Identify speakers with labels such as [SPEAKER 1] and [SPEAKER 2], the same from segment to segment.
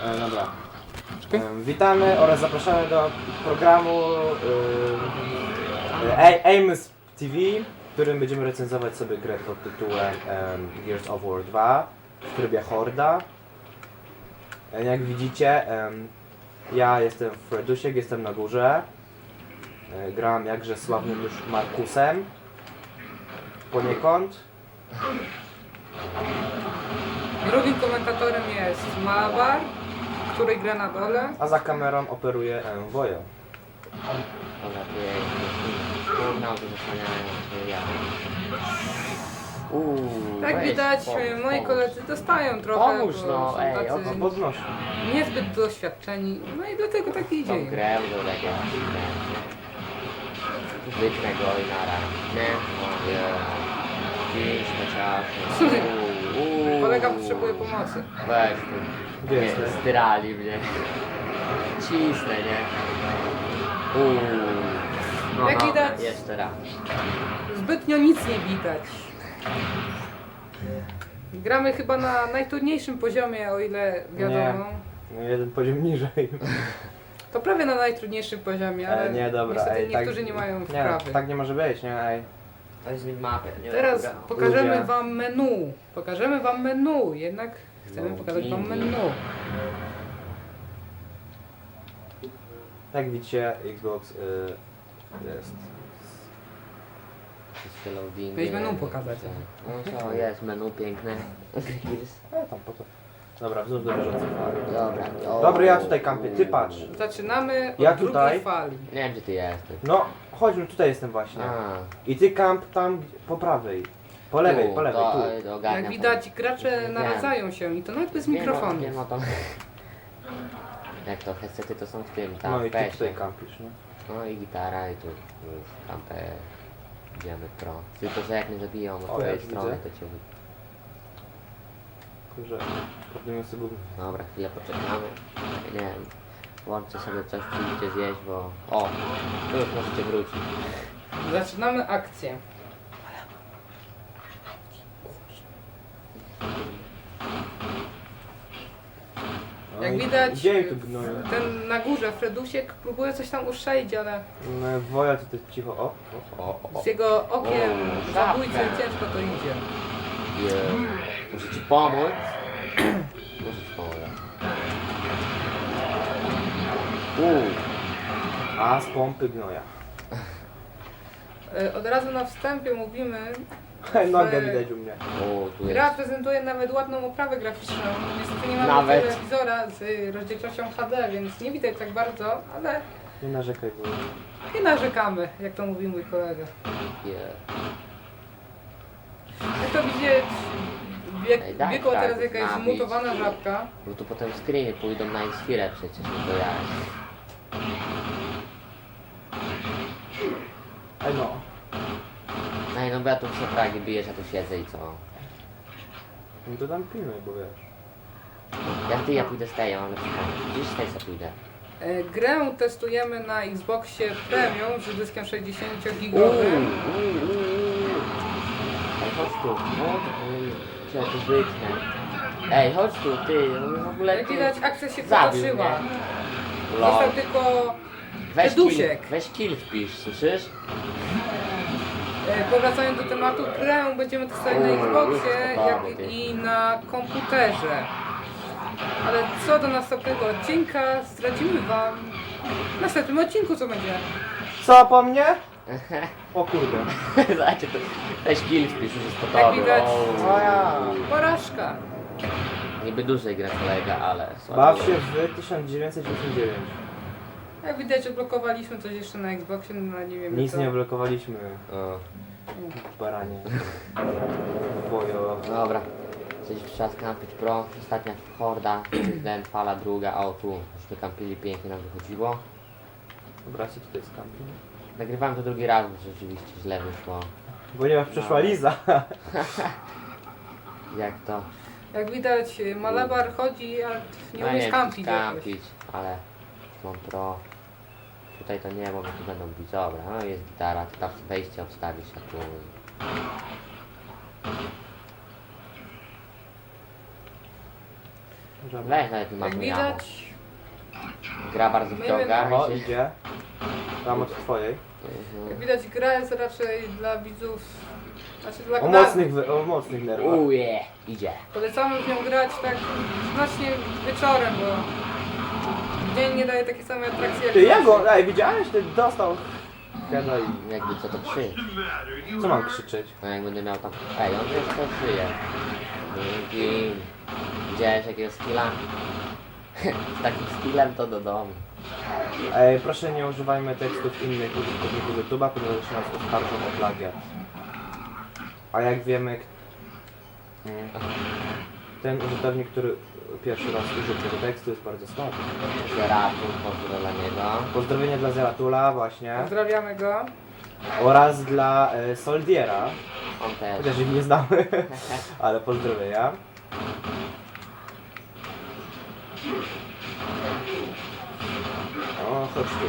[SPEAKER 1] Dobra. Witamy oraz zapraszamy do programu Amos TV, w którym będziemy recenzować sobie grę pod tytułem Gears of War 2 w trybie Horda. Jak widzicie, ja jestem Fredusiek, jestem na górze. Gram jakże sławnym już Markusem. Poniekąd.
[SPEAKER 2] Drugim komentatorem jest Malabar, który gra na dole.
[SPEAKER 1] A za kamerą operuje Wojo.
[SPEAKER 2] Jak widać, moi koledzy dostają trochę,
[SPEAKER 3] Pomóż,
[SPEAKER 2] bo
[SPEAKER 3] no,
[SPEAKER 2] są
[SPEAKER 3] ej,
[SPEAKER 2] tacy
[SPEAKER 1] No podnosi.
[SPEAKER 2] niezbyt doświadczeni, no i dlatego tak idzie.
[SPEAKER 3] Tą grę do tego. Wytnę go i nara. Nie? Mówię. Pięć chociaż.
[SPEAKER 2] Kolega potrzebuje pomocy.
[SPEAKER 3] Weź tu.
[SPEAKER 1] Gdzie
[SPEAKER 3] Nie,
[SPEAKER 1] jesteś?
[SPEAKER 3] zdyrali mnie. Cisnę, nie? No,
[SPEAKER 2] Jak widać-
[SPEAKER 3] Jeszcze raz.
[SPEAKER 2] Zbytnio nic nie widać. Gramy chyba na najtrudniejszym poziomie, o ile wiadomo.
[SPEAKER 1] No jeden poziom niżej.
[SPEAKER 2] To prawie na najtrudniejszym poziomie, ale
[SPEAKER 1] Nie, dobra.
[SPEAKER 2] niestety
[SPEAKER 1] Ej,
[SPEAKER 2] niektórzy
[SPEAKER 1] tak,
[SPEAKER 2] nie mają
[SPEAKER 1] Nie,
[SPEAKER 2] wprawy.
[SPEAKER 1] tak nie może być, nie? Ej.
[SPEAKER 3] To jest mid-mapy.
[SPEAKER 2] Teraz pokażemy
[SPEAKER 1] Ludzie.
[SPEAKER 2] wam menu. Pokażemy wam menu, jednak chcemy
[SPEAKER 3] No,
[SPEAKER 2] pokazać wam
[SPEAKER 3] pięknie.
[SPEAKER 2] menu.
[SPEAKER 1] Jak widzicie, Xbox jest.
[SPEAKER 2] Weź menu pokazać.
[SPEAKER 3] No co, jest menu piękne.
[SPEAKER 1] Tam po to. Dobra, wzdłuż do bieżącej fali.
[SPEAKER 3] Dobra.
[SPEAKER 1] Dobra, ja tutaj kampię, ty patrz.
[SPEAKER 2] Zaczynamy od
[SPEAKER 1] Ja
[SPEAKER 2] drugiej
[SPEAKER 1] tutaj.
[SPEAKER 2] fali.
[SPEAKER 3] Nie wiem gdzie ty jesteś.
[SPEAKER 1] No, chodź, no tutaj jestem właśnie.
[SPEAKER 3] A,
[SPEAKER 1] I ty kamp tam po prawej. Po lewej, po lewej, tu.
[SPEAKER 3] ogarniam
[SPEAKER 2] Jak widać, gracze
[SPEAKER 3] Wiem.
[SPEAKER 2] naradzają się i to nawet bez
[SPEAKER 3] Wiem,
[SPEAKER 2] mikrofonu.
[SPEAKER 3] Wiem o to. Jak to headsety to są w tym, tam
[SPEAKER 1] No i
[SPEAKER 3] w
[SPEAKER 1] ty
[SPEAKER 3] pesie.
[SPEAKER 1] tutaj kampisz, nie?
[SPEAKER 3] No i gitara i tu już kampę. Idziemy pro. Tylko że jak mnie zabiją od
[SPEAKER 1] O,
[SPEAKER 3] twojej
[SPEAKER 1] jak
[SPEAKER 3] strony
[SPEAKER 1] widzę.
[SPEAKER 3] to cię...
[SPEAKER 1] Kurze, podniosę sobie.
[SPEAKER 3] Dobra, chwilę poczekamy. Nie wiem. Włączę sobie coś, przyjdziecie zjeść, bo... O! Tu już możecie wrócić.
[SPEAKER 2] Zaczynamy akcję.
[SPEAKER 1] No
[SPEAKER 2] Jak
[SPEAKER 1] i
[SPEAKER 2] widać,
[SPEAKER 1] Gdzie tu gnoją?
[SPEAKER 2] ten na górze, Fredusiek, próbuje coś tam uszczelić, ale
[SPEAKER 1] No, Woja tutaj cicho, o.
[SPEAKER 2] z jego okiem
[SPEAKER 3] O,
[SPEAKER 2] zabójcy
[SPEAKER 3] żabka.
[SPEAKER 2] ciężko to idzie.
[SPEAKER 3] Muszę ci pomóc. Muszę ci pomóc.
[SPEAKER 1] A z pompy gnoja.
[SPEAKER 2] Od razu na wstępie mówimy,
[SPEAKER 1] Nogę widać u mnie.
[SPEAKER 3] Tu
[SPEAKER 2] gra
[SPEAKER 3] jest.
[SPEAKER 2] prezentuje nawet ładną oprawę graficzną. Niestety nie mamy
[SPEAKER 3] Nawet.
[SPEAKER 2] telewizora z rozdzielczością HD, więc nie widać tak bardzo, ale
[SPEAKER 1] Nie narzekaj, bo...
[SPEAKER 2] nie narzekamy, jak to mówi mój kolega. Jak to widzieć,
[SPEAKER 3] Ej, daj
[SPEAKER 2] biegła
[SPEAKER 3] tak,
[SPEAKER 2] teraz jakaś
[SPEAKER 3] nabić.
[SPEAKER 2] zmutowana żabka.
[SPEAKER 3] Bo tu potem screeny pójdą na Inspirę przecież, no to ja.
[SPEAKER 1] Ej no.
[SPEAKER 3] Ej, no bo ja tu przy fragi bijesz, ja tu siedzę i co?
[SPEAKER 1] No to tam pilnuj, bo wiesz.
[SPEAKER 3] Jak ty, ja pójdę z tej, ja mam lepszy pomysł. Gdzieś z tej co pójdę.
[SPEAKER 2] Grę testujemy na Xboxie Premium z dyskiem 60-gigowym.
[SPEAKER 3] Ej, chodź tu. No, trzeba tu wytnę. Ej, chodź tu, ty, no w ogóle
[SPEAKER 2] Jak
[SPEAKER 3] ty...
[SPEAKER 2] widać, akcja się
[SPEAKER 3] Zabił
[SPEAKER 2] potoczyła.
[SPEAKER 3] mnie.
[SPEAKER 2] Został tylko
[SPEAKER 3] Weź
[SPEAKER 2] Fredusiek.
[SPEAKER 3] kill wpisz, słyszysz?
[SPEAKER 2] Powracając do tematu, grę będziemy testować na Xboxie jak i na komputerze. Ale co do następnego odcinka, zdradzimy wam w następnym odcinku, co będzie.
[SPEAKER 1] Co po mnie? O kurde.
[SPEAKER 3] Zobaczcie, to weź kill wpisz, już jest po
[SPEAKER 2] Jak
[SPEAKER 3] tobie.
[SPEAKER 2] widać.
[SPEAKER 1] O ja.
[SPEAKER 2] Porażka.
[SPEAKER 3] Niby dłużej gra kolega, ale słabo.
[SPEAKER 1] Baw się w 1989.
[SPEAKER 2] Jak widać, odblokowaliśmy coś jeszcze na Xboxie, no nie wiem
[SPEAKER 1] Nic
[SPEAKER 2] co.
[SPEAKER 1] nie blokowaliśmy.
[SPEAKER 3] O,
[SPEAKER 1] Baranie. Wojo.
[SPEAKER 3] dobra. Coś trzeba skampić pro. Ostatnia horda, ten fala druga, o tu. Już kampili pięknie nam wychodziło.
[SPEAKER 1] Dobra, się tutaj skampi.
[SPEAKER 3] Nagrywałem to drugi raz, bo rzeczywiście źle wyszło.
[SPEAKER 1] Ponieważ przeszła Liza.
[SPEAKER 3] Jak to?
[SPEAKER 2] Jak widać, Malabar chodzi, ale nie
[SPEAKER 3] No
[SPEAKER 2] umiesz
[SPEAKER 3] nie,
[SPEAKER 2] kampić jakoś.
[SPEAKER 3] kampić, ale mam pro. Tutaj to nie, bo mnie tu będą bić. Dobra, no jest gitara, ty tam wejście obstawisz, a tu...
[SPEAKER 1] Żaba.
[SPEAKER 3] Weź nawet nie mam
[SPEAKER 2] Jak
[SPEAKER 3] jamo.
[SPEAKER 2] widać,
[SPEAKER 3] Gra bardzo wciąga
[SPEAKER 1] O,
[SPEAKER 3] mi się.
[SPEAKER 1] idzie. Tam od twojej.
[SPEAKER 2] jak widać gra jest raczej dla widzów, znaczy dla
[SPEAKER 1] O mocnych nerwach.
[SPEAKER 3] Uje, idzie.
[SPEAKER 2] Polecamy w nią grać tak znacznie wieczorem, bo dzień nie daje takiej samej atrakcji jak
[SPEAKER 1] Ty, ja
[SPEAKER 2] nocy.
[SPEAKER 1] go, ej, widziałeś? Ty dostał heada i...
[SPEAKER 3] Jakby co to krzycz.
[SPEAKER 1] Co mam krzyczeć?
[SPEAKER 3] No jak będę miał tam... Ej, on już to żyje. Dzięki. Widziałeś jakiego skilla? Z takim skillem to do domu.
[SPEAKER 1] Ej, proszę nie używajmy tekstów innych użytkowników YouTube'a, ponieważ nas oskarżą o plagiat. A jak wiemy, ten użytkownik, który pierwszy raz użył tego tekstu, jest bardzo słaby.
[SPEAKER 3] Zeratul, pozdro dla niego.
[SPEAKER 1] Pozdrowienia dla Zeratula właśnie.
[SPEAKER 2] Pozdrawiamy go.
[SPEAKER 1] Oraz dla Soldiera.
[SPEAKER 3] On też.
[SPEAKER 1] Chociaż ich nie znamy, ale pozdrowienia. O, chodź tu.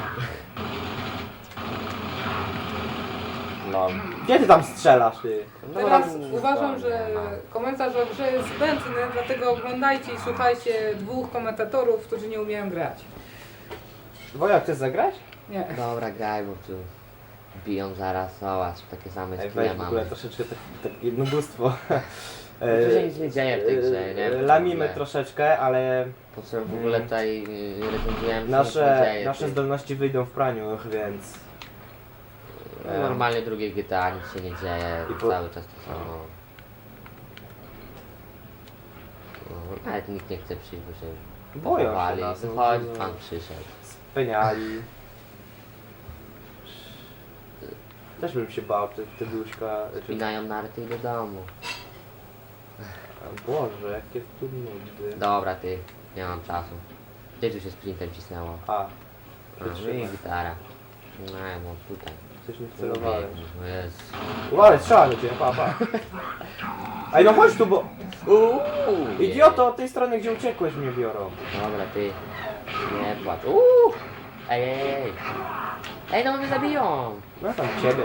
[SPEAKER 3] No.
[SPEAKER 1] Gdzie ty tam strzelasz, ty?
[SPEAKER 2] Teraz uważam, że komentarz o grze jest zbędny, dlatego oglądajcie i słuchajcie dwóch komentatorów, którzy nie umieją grać.
[SPEAKER 1] Wojak, chcesz zagrać?
[SPEAKER 2] Nie.
[SPEAKER 3] Dobra, graj, bo tu biją zaraz, zobacz, takie same
[SPEAKER 1] Ej,
[SPEAKER 3] skille
[SPEAKER 1] weź w ogóle
[SPEAKER 3] mamy.
[SPEAKER 1] troszeczkę takie jednobóstwo.
[SPEAKER 3] Tu się nic nie dzieje w tej grze, nie?
[SPEAKER 1] Lamimy troszeczkę, ale
[SPEAKER 3] Po co w ogóle tutaj recenzujemy,
[SPEAKER 1] nasze zdolności wyjdą w praniu, więc...
[SPEAKER 3] Normalnie drugie GTA, nic się nie dzieje,
[SPEAKER 1] I po-
[SPEAKER 3] cały czas to samo. No, nawet nikt nie chce przyjść, bo się
[SPEAKER 1] Boją się
[SPEAKER 3] pochowali.
[SPEAKER 1] nas, no,
[SPEAKER 3] Chodź,
[SPEAKER 1] no.
[SPEAKER 3] pan przyszedł.
[SPEAKER 1] Speniali. Też bym się bał, te duszka...
[SPEAKER 3] Spinają narty i do domu.
[SPEAKER 1] Boże, jakie tu nudy.
[SPEAKER 3] Dobra, ty, nie mam czasu. Gdzie tu się sprintem cisnęło?
[SPEAKER 1] A,
[SPEAKER 3] A,
[SPEAKER 1] wytrzymaj.
[SPEAKER 3] i gitara. No, tutaj.
[SPEAKER 1] Coś mi celowałem.
[SPEAKER 3] No jest.
[SPEAKER 1] Uważaj, strzela do ciebie, pa. Ej, no chodź tu, bo... Idioto, od tej strony, gdzie uciekłeś, mnie biorą.
[SPEAKER 3] Dobra, ty. Nie płacz. Ej, ej, ej. Ej, no mnie zabiją.
[SPEAKER 1] No tam ciebie.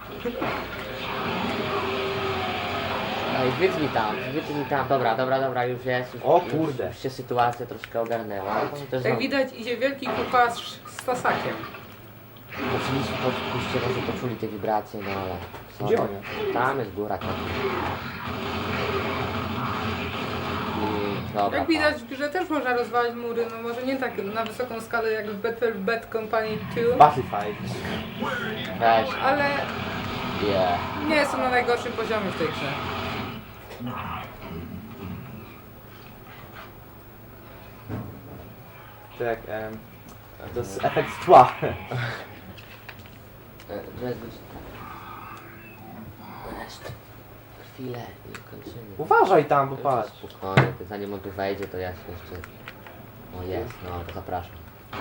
[SPEAKER 3] Ej, wytnij tam. Dobra, już jest. Już,
[SPEAKER 1] O kurde.
[SPEAKER 3] Już się sytuacja troszkę ogarnęła. Też
[SPEAKER 2] Jak widać idzie wielki kucharz z tasakiem.
[SPEAKER 3] Oczywiście może poczuli te wibracje, no ale... co
[SPEAKER 1] Gdzie
[SPEAKER 3] to?
[SPEAKER 1] on
[SPEAKER 3] Tam jest góra, tam. I dobra.
[SPEAKER 2] Jak widać w grze też można rozwalić mury, no może nie tak na wysoką skalę jak w Battle Bad Company 2,
[SPEAKER 1] Battlefight.
[SPEAKER 3] Weź.
[SPEAKER 2] ale
[SPEAKER 3] Yeah.
[SPEAKER 2] nie jest to na najgorszym poziomie w tej grze.
[SPEAKER 1] Tak, to jest efekt tła.
[SPEAKER 3] To jest godzina. Jeszcze. Chwilę i kończymy.
[SPEAKER 1] Uważaj tam, bo
[SPEAKER 3] Już
[SPEAKER 1] patrz.
[SPEAKER 3] spokojnie, to zanim on tu wejdzie, to ja się jeszcze... O jest, no to zapraszam.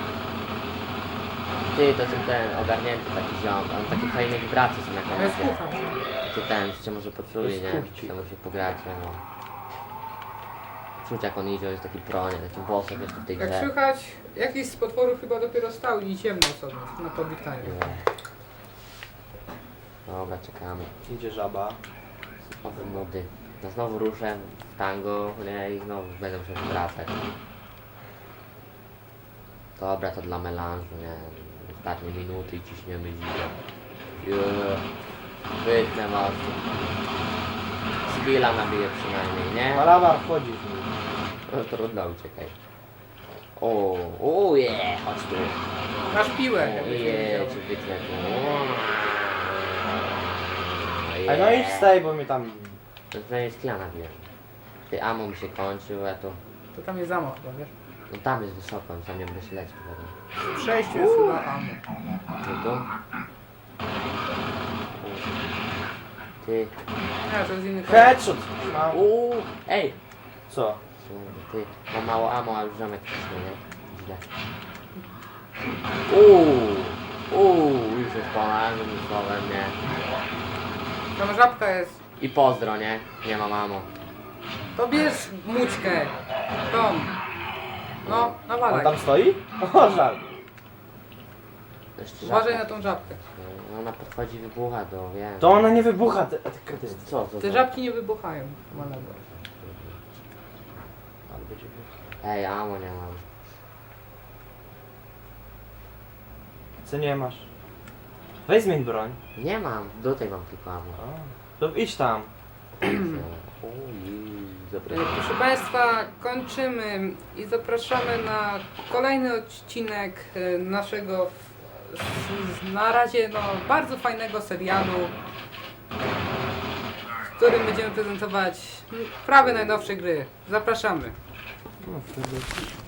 [SPEAKER 3] Ty, to jest ten ogarnięty taki ziom, on takie fajne wibracje są jak
[SPEAKER 2] To
[SPEAKER 3] na
[SPEAKER 2] jest
[SPEAKER 3] razie.
[SPEAKER 2] kucharz.
[SPEAKER 3] Ty ten, już cię może poczuli,
[SPEAKER 1] Jest
[SPEAKER 3] nie?
[SPEAKER 1] kuchci.
[SPEAKER 3] To musi pograć, no. Czuć jak on idzie, on jest taki pronie, taki bossem jeszcze w tej
[SPEAKER 2] Jak
[SPEAKER 3] grze.
[SPEAKER 2] słychać, jakiś z potworów chyba dopiero stał i ciemno sobie na powitaniu.
[SPEAKER 3] Nie. Dobra, czekamy.
[SPEAKER 1] Idzie żaba.
[SPEAKER 3] Nowe mody. No znowu ruszę w tango, nie? I znowu będę musiał wracać. Dobra, to dla melanżu, nie? Ostatnie minuty i ciśniemy zimę. Wytnę mocno. Skilla nabiję przynajmniej, nie?
[SPEAKER 1] Malabar wchodzi w nim.
[SPEAKER 3] No trudno, uciekaj. O, chodź tu.
[SPEAKER 2] Masz piłę,
[SPEAKER 3] O,
[SPEAKER 2] jakbyś nie
[SPEAKER 3] je,
[SPEAKER 2] wiedział.
[SPEAKER 3] cię wytnę tu.
[SPEAKER 1] Ej, no idź stej, bo mnie tam...
[SPEAKER 3] To przynajmniej skilla nabiłem. Ty ammo mi się kończył, a to...
[SPEAKER 2] To tam jest zamok chyba, wiesz?
[SPEAKER 3] No tam jest wysoko, tam nie będę się lecił potem.
[SPEAKER 2] W przejściu jest chyba ammo.
[SPEAKER 3] Ty tu? Ty.
[SPEAKER 2] Nie, to jest inny
[SPEAKER 1] Headshot! Mam.
[SPEAKER 3] Ej!
[SPEAKER 1] Co?
[SPEAKER 3] Ty, mam mało ammo, a już ziomek wcisnął, nie? Źle. Już jest ponad, słowem, nie?
[SPEAKER 2] Tam żabka jest.
[SPEAKER 3] I pozdro, nie? Nie mam ammo.
[SPEAKER 2] To bierz mućkę. Tom. No,
[SPEAKER 1] On
[SPEAKER 2] nawalaj.
[SPEAKER 1] tam stoi? O, żal.
[SPEAKER 3] Jeszcze
[SPEAKER 2] Uważaj
[SPEAKER 3] żabka.
[SPEAKER 2] na tą żabkę.
[SPEAKER 3] Ona podchodzi, wybucha do, wiem.
[SPEAKER 1] To ona nie wybucha, a ty kretyny.
[SPEAKER 3] Co?
[SPEAKER 2] Te żabki nie wybuchają. Malego.
[SPEAKER 1] Ale będzie wybuchać.
[SPEAKER 3] Ej, amo nie mam.
[SPEAKER 1] Co nie masz? Weź zmień broń.
[SPEAKER 3] Nie mam, tutaj mam tylko amo.
[SPEAKER 1] A, to idź tam.
[SPEAKER 3] Ojej, dobra.
[SPEAKER 2] Proszę Państwa, kończymy i zapraszamy na kolejny odcinek naszego na razie bardzo fajnego serialu, w którym będziemy prezentować prawie najnowsze gry. Zapraszamy.
[SPEAKER 1] No, wtedy...